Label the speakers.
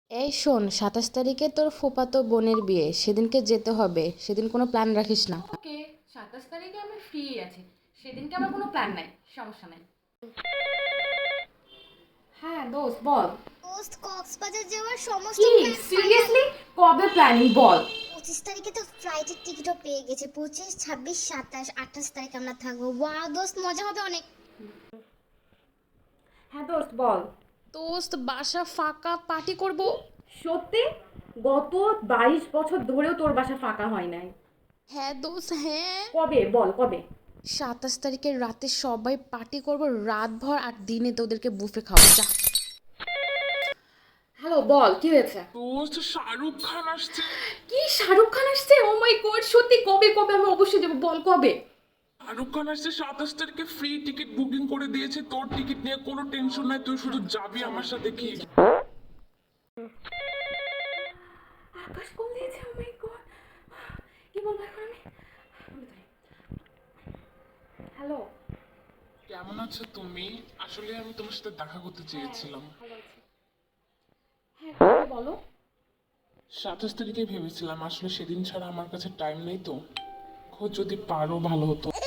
Speaker 1: এই শোন, 27 তারিখে তোর ফুফাতো বোনের বিয়ে, সেদিনকে যেতে হবে। সেদিন কোনো প্ল্যান রাখিস না।
Speaker 2: ওকে, 27 তারিখে আমি ফ্রি আছি। সেদিনকে আমার কোনো প্ল্যান নাই, সমস্যা নাই। হ্যাঁ দোস্ত বল।
Speaker 3: দোস্ত কক্সবাজার যাওয়ার সমস্ত
Speaker 2: কি
Speaker 3: প্ল্যান ফাইনাল।
Speaker 2: সিরিয়াসলি? কবে প্ল্যানিং বল।
Speaker 3: 25 তারিখে তো ফ্লাইটের টিকিটও পেয়ে গেছে। 25, 26, 27, 28 তারিখ আমরা থাকবো। ওয়াও দোস্ত, মজা হবে অনেক।
Speaker 2: হ্যাঁ দোস্ত বল।
Speaker 1: দোস্ত, বাসা ফাঁকা, পার্টি করব।
Speaker 2: সত্যি? গত 22 বছর ধরেও তোর বাসা ফাঁকা হয় নাই।
Speaker 1: হ্যাঁ দোস্ত, হ্যাঁ।
Speaker 2: কবে বল কবে?
Speaker 1: 27 তারিখের রাতে সবাই পার্টি করব রাতভর, আর দিনে তোদেরকে বুফে খাবো। যা।
Speaker 2: হ্যালো বল, কি হয়েছে?
Speaker 4: দোস্ত শাহরুখ খান আসছে।
Speaker 2: কি শাহরুখ খান আসছে? ও মাই গড, সত্যি? কবে কবে? আমি অবশ্যই যাবো, বল কবে।
Speaker 4: শাহরুখ খান আসছে 27 তারিখে, ফ্রি টিকিট বুকিং করে দিয়েছে। তোর টিকিট নিয়ে কোনো টেনশন নাই, তুই শুধু যাবি আমার সাথে। কি
Speaker 2: আকাশ কল দিয়েছে, ও মাই গড। কি বলবো এখন আমি? হ্যালো।
Speaker 4: কেমন আছো তুমি? আসলে আমি তোমার সাথে দেখা করতে চেয়েছিলাম।
Speaker 2: ভালো আছি। হ্যাঁ কবে বলো।
Speaker 4: 27 তারিখে ভেবেছিলাম, আসলে সেদিন ছাড়া আমার কাছে টাইম নেই তো। খোঁজ যদি পারো ভালো হতো।